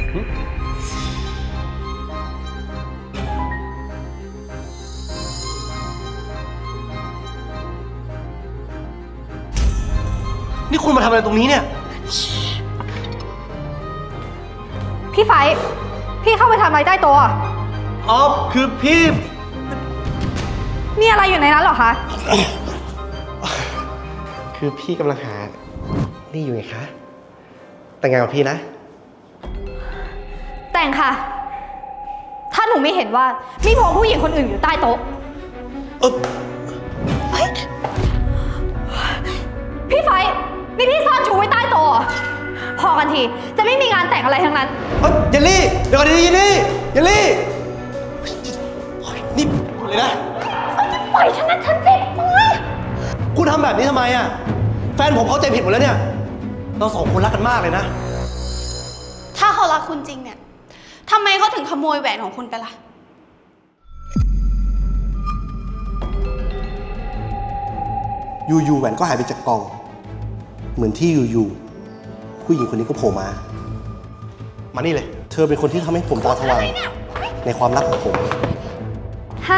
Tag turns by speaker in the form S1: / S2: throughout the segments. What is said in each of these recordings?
S1: นี่คุณมาทำอะไรตรงนี้เนี่ย
S2: พี่ไฟพี่เข้าไปทำอะไรใต้โต๊ะอะ
S1: อ๋อคือพี่
S2: มีอะไรอยู่ในนั้นเหรอคะ
S1: คือพี่กำลังหานี่อยู่ไงคะแต่งงานกับพี่นะ
S2: แต่งค่ะ ถ้าหนูไม่เห็นว่ามีผัวผู้หญิงคนอื่นอยู่ใต้โต๊ะพี่ไฟนี่พี่ซ่อนชูไว้ใต้โต๊ะพอกันทีจะไม่มีงานแต่งอะไรทั้งนั้น
S1: เยลลี่เดี๋ยวก่อนดิเยลลี่นี่เลยนะ
S2: ปล่อยฉันนะฉันเจ็บมือ
S1: คุณทำแบบนี้ทำไมอ่ะแฟนผมเข้าใจผิดหมดแล้วเนี่ยเราสองคนรักกันมากเลยนะ
S3: ถ้าเขารักคุณจริงเนี่ยทำไมเขาถึงขโมยแหวนของคุณไปล่ะ
S1: อยู่แหวนก็หายไปจากกล่องเหมือนที่อยู่ผู้หญิงคนนี้ก็โผล่มานี่เลยเธอเป็นคนที่ทำให้ผมตาสว่างในความรักของผม
S2: ไฮ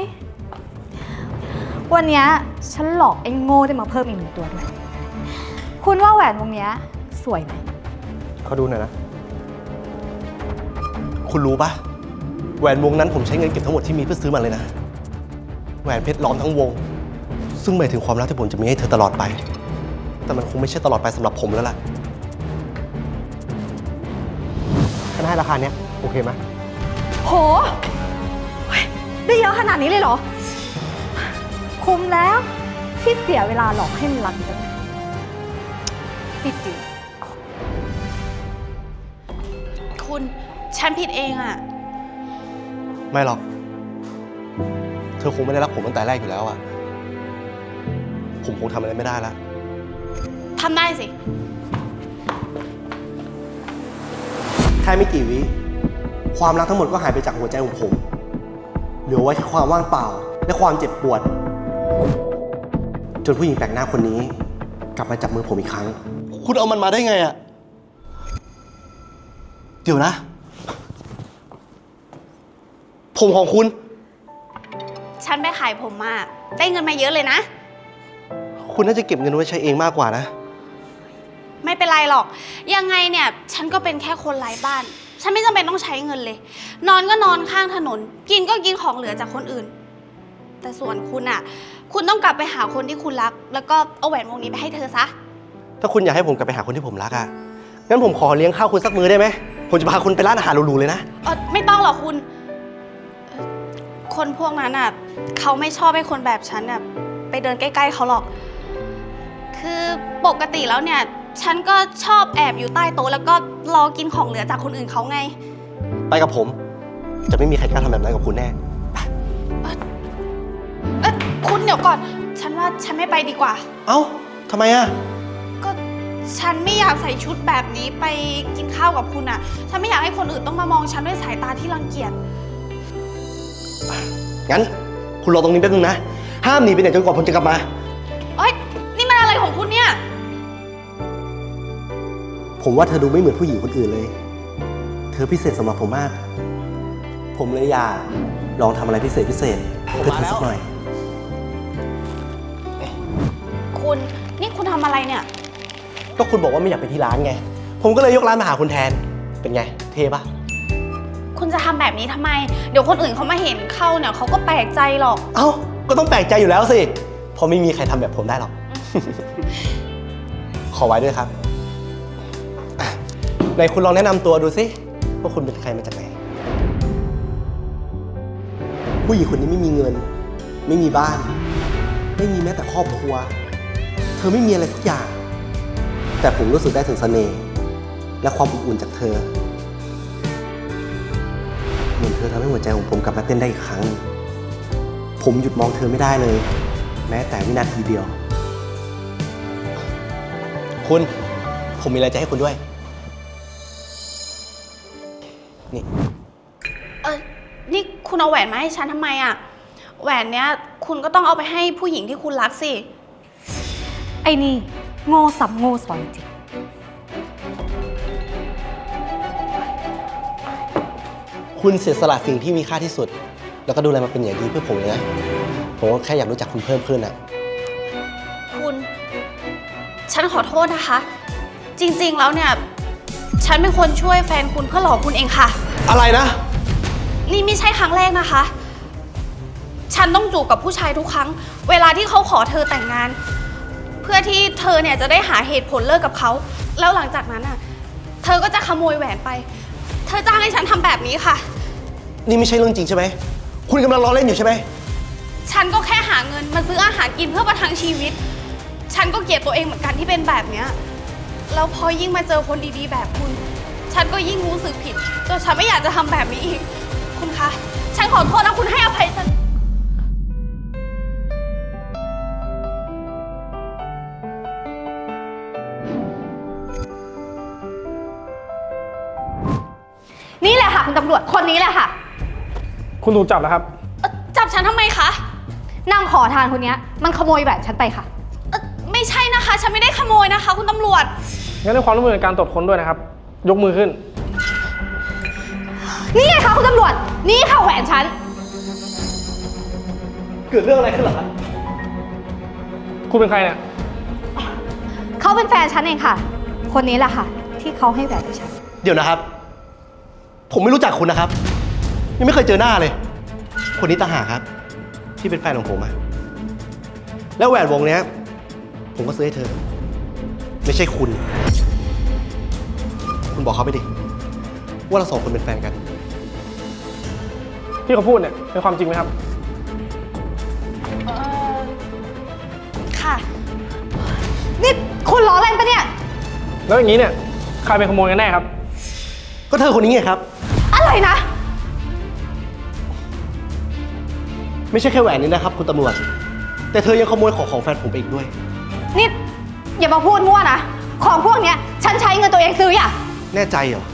S2: วันนี้ฉันหลอกไอ้โง่ได้มาเพิ่มอีก1 ตัวด้วยคุณว่าแหวนวงนี้สวยไหม
S1: เขาดูหน่อยนะคุณรู้ปะแหวนวงนั้นผมใช้เงินเก็บทั้งหมดที่มีเพื่อซื้อมันเลยนะแหวนเพชรล้อมทั้งวงซึ่งหมายถึงความรักที่ผมจะมีให้เธอตลอดไปแต่มันคงไม่ใช่ตลอดไปสำหรับผมแล้วล่ะฉันให้ราคาเนี้ยโอเคไหม
S2: โหได้เยอะขนาดนี้เลยเหรอคุ้มแล้วที่เสียเวลาหลอกให้มันรักกันพี่จิ๋ว
S3: คุณฉันผิดเองอะ
S1: ไม่หรอกเธอคงไม่ได้รักผมตั้งแต่แรกอยู่แล้วอะผมคงทำอะไรไม่ได้แล้ว
S3: ทำได้สิ
S1: แค่ไม่กี่วิความรักทั้งหมดก็หายไปจากหัวใจของผมเหลือไว้แค่ความว่างเปล่าและความเจ็บปวดจนผู้หญิงแปลกหน้าคนนี้กลับมาจับมือผมอีกครั้งคุณเอามันมาได้ไงอะเดี๋ยวนะผมของคุณ
S3: ฉันไปขายผมมาได้เงินมาเยอะเลยนะ
S1: คุณน่าจะเก็บเงินไว้ใช้เองมากกว่านะ
S3: ไม่เป็นไรหรอกยังไงเนี่ยฉันก็เป็นแค่คนไร้บ้านฉันไม่จำเป็นต้องใช้เงินเลยนอนก็นอนข้างถนนกินก็กินของเหลือจากคนอื่นแต่ส่วนคุณอ่ะคุณต้องกลับไปหาคนที่คุณรักแล้วก็เอาแหวนวงนี้ไปให้เธอซะ
S1: ถ้าคุณอยากให้ผมกลับไปหาคนที่ผมรักอ่ะงั้นผมขอเลี้ยงข้าวคุณสักมื้อได้ไหมผมจะพาคุณไปร้านอาหารหรูๆเลยนะ
S3: ไม่ต้องหรอกคุณคนพวกนั้นอ่ะเขาไม่ชอบให้คนแบบฉันอ่ะไปเดินใกล้ๆเขาหรอกคือปกติแล้วเนี่ยฉันก็ชอบแอบอยู่ใต้โต๊ะแล้วก็รอกินของเหลือจากคนอื่นเขาไง
S1: ไปกับผมจะไม่มีใครกล้าทำแบบนั้นกับคุณแน่
S3: คุณเดี๋ยวก่อนฉันว่าฉันไม่ไปดีกว่า
S1: เอ้าทำไมอะ
S3: ก็ฉันไม่อยากใส่ชุดแบบนี้ไปกินข้าวกับคุณอะฉันไม่อยากให้คนอื่นต้องมามองฉันด้วยสายตาที่รังเกียจ
S1: งั้นคุณรอตรงนี้แป๊บนึงนะห้ามหนีไปไหนจนกว่าผมจะกลับมา
S3: นี่มันอะไรของคุณเนี่ย
S1: ผมว่าเธอดูไม่เหมือนผู้หญิงคนอื่นเลยเธอพิเศษสำหรับผมมากผมเลยอยากลองทำอะไรพิเศษเพื่อเธอสักหน่อย
S3: นี่คุณทำอะไรเนี่ย
S1: ก็คุณบอกว่าไม่อยากไปที่ร้านไงผมก็เลยยกร้านมาหาคุณแทนเป็นไงเท่ปะ
S3: คุณจะทำแบบนี้ทำไมเดี๋ยวคนอื่นเขามาเห็นเข้าเนี่ยเขาก็แปลกใจหรอก
S1: เอ้าก็ต้องแปลกใจอยู่แล้วสิเพราะไม่มีใครทำแบบผมได้หรอก ขอไว้ด้วยครับไหนคุณลองแนะนำตัวดูสิว่าคุณเป็นใครมาจากไหนผู้หญิงคนนี้ไม่มีเงินไม่มีบ้านไม่มีแม้แต่ครอบครัวเธอไม่มีอะไรสักอย่างแต่ผมรู้สึกได้ถึงเสน่ห์และความอบอุ่นจากเธอเหมือนเธอทำให้หัวใจของผมกลับมาเต้นได้อีกครั้งผมหยุดมองเธอไม่ได้เลยแม้แต่วินาทีเดียวคุณผมมีอะไรจะให้คุณด้วย
S3: นี่คุณเอาแหวนมาให้ฉันทำไมอะแหวนเนี้ยคุณก็ต้องเอาไปให้ผู้หญิงที่คุณรักสิ
S2: ไอ้นี่โง่สับโง่สอนจริง
S1: คุณเสียสละสิ่งที่มีค่าที่สุด แล้วก็ดูแลมันเป็นอย่างดีเพื่อผมเลยนะ ผมก็แค่อยากรู้จักคุณเพิ่มขึ้นอะ
S3: คุณ ฉันขอโทษนะคะ จริงๆ แล้วเนี่ย ฉันเป็นคนช่วยแฟนคุณเพื่อหลอกคุณเองค่ะ
S1: อะไรนะ
S3: นี่ไม่ใช่ครั้งแรกนะคะ ฉันต้องจูบกับผู้ชายทุกครั้ง เวลาที่เขาขอเธอแต่งงาน เพื่อที่เธอเนี่ยจะได้หาเหตุผลเลิกกับเขา แล้วหลังจากนั้นอ่ะ เธอก็จะขโมยแหวนไป เธอจ้างให้ฉันทำแบบนี้ค่ะ
S1: นี่ไม่ใช่เรื่องจริงใช่ไหม คุณกำลังล้อเล่นอยู่ใช่ไหม
S3: ฉันก็แค่หาเงินมาซื้ออาหารกินเพื่อประทังชีวิต ฉันก็เกลียดตัวเองเหมือนกันที่เป็นแบบเนี้ย แล้วพอยิ่งมาเจอคนดีๆแบบคุณ ฉันก็ยิ่งรู้สึกผิดจนฉันไม่อยากจะทำแบบนี้อีก คุณคะ ฉันขอโทษนะคุณให้อภัยฉัน
S2: นี่แหละค่ะคุณตำรวจคนนี้แหละค่ะ
S4: คุณถูกจับแล้วครับ
S3: จับฉันทำไมคะ
S2: นางขอทานคนเนี้ยมันขโมยแหวนฉันไปค่ะ
S3: ไม่ใช่นะคะ ฉันไม่ได้ขโมยนะคะ คุณตำรวจ
S4: งั้นในความร่วมมือในการตรวจค้นด้วยนะครับ ยกมือขึ้น
S2: นี่ไงคะคุณตำรวจ นี่ค่ะแหวนฉัน
S1: เกิดเรื่องอะไรขึ้นเหรอครับ
S4: คุณเป็นใครเนี่ย
S2: เขาเป็นแฟนฉันเองค่ะ คนนี้แหละค่ะ ที่เขาให้แหวนกับฉัน
S1: เดี๋ยวนะครับ ผมไม่รู้จักคุณนะครับ ยังไม่เคยเจอหน้าเลย คนนี้ต่างหากครับ ที่เป็นแฟนของผมอะแล้วแหวนวงเนี้ย ผมก็ซื้อให้เธอ ไม่ใช่คุณ คุณบอกเขาไปดิ ว่าเราสองคนเป็นแฟนกัน
S4: ที่เขาพูดเนี่ยเป็นความจริงไหมครับ
S3: ค่ะ
S2: นี่คุณล้อเล่นปะเนี่ย
S4: แล้วอย่างนี้เนี่ยใครเป็นขโมยกันแน่ครับ
S1: ก็เธอคนนี้ไงครับ
S2: อะไรนะ
S1: ไม่ใช่แค่แหวนนี้นะครับ คุณตำรวจ แต่เธอยังขโมยของแฟนผมไปอีกด้วย
S2: นี่อย่ามาพูดมั่วนะ ของพวกเนี้ยฉันใช้เงินตัวเองซื้ออ่ะ
S1: แน่ใจเหรอ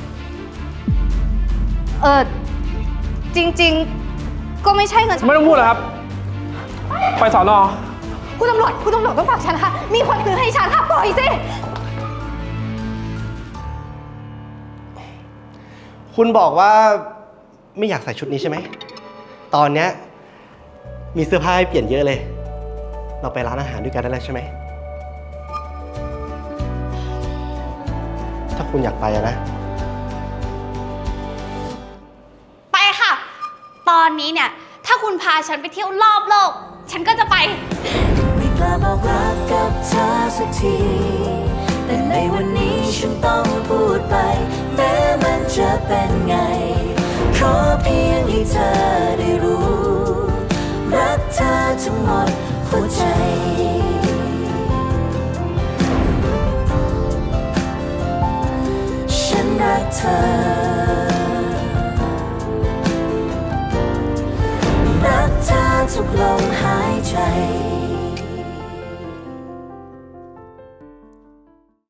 S2: จริงๆ ก็ไม่ใช่เงินฉัน
S4: ไม่ต้องพูดแล้วครับ ไปสอนอ
S2: คุณตำรวจต้องฝากฉันค่ะ มีคนซื้อให้ฉันค่ะ ปล่อยสิ
S1: คุณบอกว่าไม่อยากใส่ชุดนี้ใช่ไหม ตอนเนี้ยมีเสื้อผ้าให้เปลี่ยนเยอะเลย เราไปร้านอาหารด้วยกันได้แล้วใช่ไหม ถ้าคุณอยากไปอะนะ
S3: ไปค่ะ ตอนนี้เนี่ย ถ้าคุณพาฉันไปเที่ยวรอบโลก ฉันก็จะไป
S5: ไม่กล้าบอกรักกับเธอสักที แต่ในวันนี้ฉันต้องพูดไป แม้มันจะเป็นไง ขอเพียงให้เธอได้รู้ รักเธอทั้งหมดหัวใจ ฉันรักเธอ รักเธอทุกลม